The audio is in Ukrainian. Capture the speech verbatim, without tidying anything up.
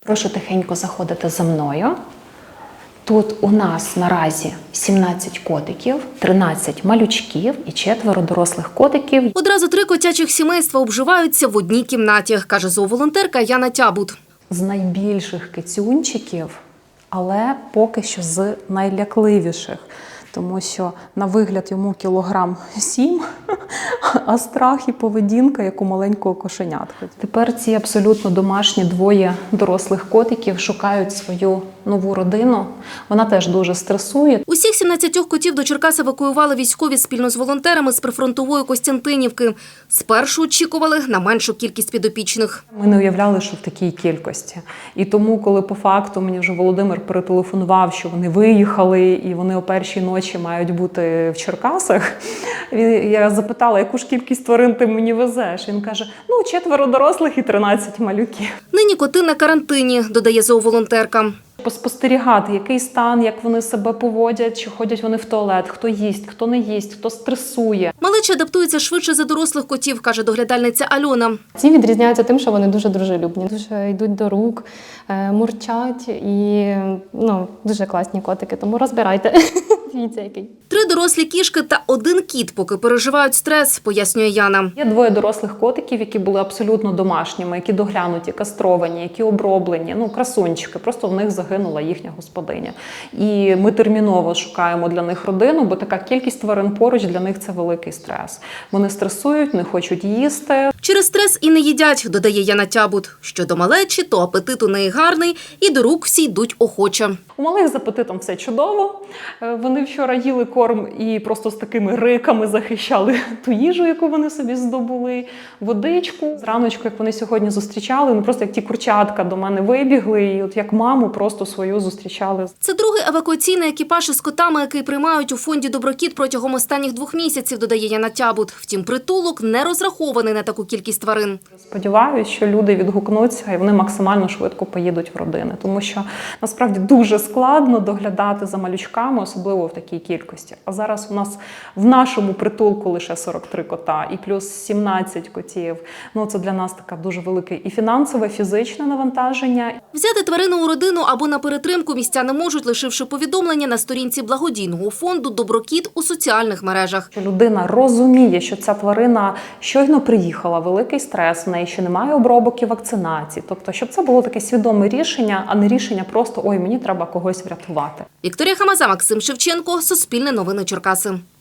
Прошу тихенько заходити за мною. Тут у нас наразі сімнадцять котиків, тринадцять малючків і четверо дорослих котиків. Одразу три котячих сімейства обживаються в одній кімнаті, каже зооволонтерка Яна Тябут. З найбільших кицюнчиків, але поки що з найлякливіших. Тому що на вигляд йому кілограм сім, а страх і поведінка, як у маленького кошенятка. Тепер ці абсолютно домашні двоє дорослих котиків шукають свою нову родину. Вона теж дуже стресує. Усіх сімнадцятьох котів до Черкас евакуювали військові спільно з волонтерами з прифронтової Костянтинівки. Спершу очікували на меншу кількість підопічних. Ми не уявляли, що в такій кількості. І тому, коли по факту мені вже Володимир перетелефонував, що вони виїхали і вони о першій ночі мають бути в Черкасах, я запитала, яку ж кількість тварин ти мені везеш? Він каже, ну, четверо дорослих і тринадцять малюків. Нині коти на карантині, додає зооволонтерка. Поспостерігати, який стан, як вони себе поводять, чи ходять вони в туалет, хто їсть, хто не їсть, хто стресує. Малечі адаптуються швидше за дорослих котів, каже доглядальниця Альона. Ці відрізняються тим, що вони дуже дружелюбні, дуже йдуть до рук, мурчать і ну, дуже класні котики, тому розбирайте. Дивіться, який. Три дорослі кішки та один кіт поки переживають стрес, пояснює Яна. Є двоє дорослих котиків, які були абсолютно домашніми, які доглянуті, кастровані, які оброблені, ну, красунчики, просто в них загинула їхня господиня. І ми терміново шукаємо для них родину, бо така кількість тварин поруч для них – це великий стрес. Вони стресують, не хочуть їсти. Через стрес і не їдять, додає Яна Тябут. Щодо малечі, то апетит у неї гарний і до рук всі йдуть охоче. У малих з апетитом все чудово. Вони вчора їли корм і просто з такими риками захищали ту їжу, яку вони собі здобули, водичку. Зраночку, як вони сьогодні зустрічали, ну просто як ті курчатка до мене вибігли, і от як маму просто свою зустрічали. Це другий евакуаційний екіпаж із котами, який приймають у фонді «Доброкіт» протягом останніх двох місяців, додає Яна Тябут. Втім, притулок не розрахований на таку кількість тварин. Сподіваюся, що люди відгукнуться і вони максимально швидко поїдуть в родини, тому що насправді дуже складно доглядати за малючками, особливо в такій кількості. А зараз у нас в нашому притулку лише сорок три кота і плюс сімнадцять котів. Ну, це для нас таке дуже велике і фінансове, фізичне навантаження. Взяти тварину у родину або на перетримку містяни можуть, лишивши повідомлення на сторінці благодійного фонду «Доброкіт» у соціальних мережах. Людина розуміє, що ця тварина щойно приїхала, великий стрес, в неї ще немає обробок і вакцинації. Тобто, щоб це було таке свідоме рішення, а не рішення просто «ой, мені треба когось врятувати». Вікторія Хамаза, Максим Шевченко, Суспільне новини Черкаси.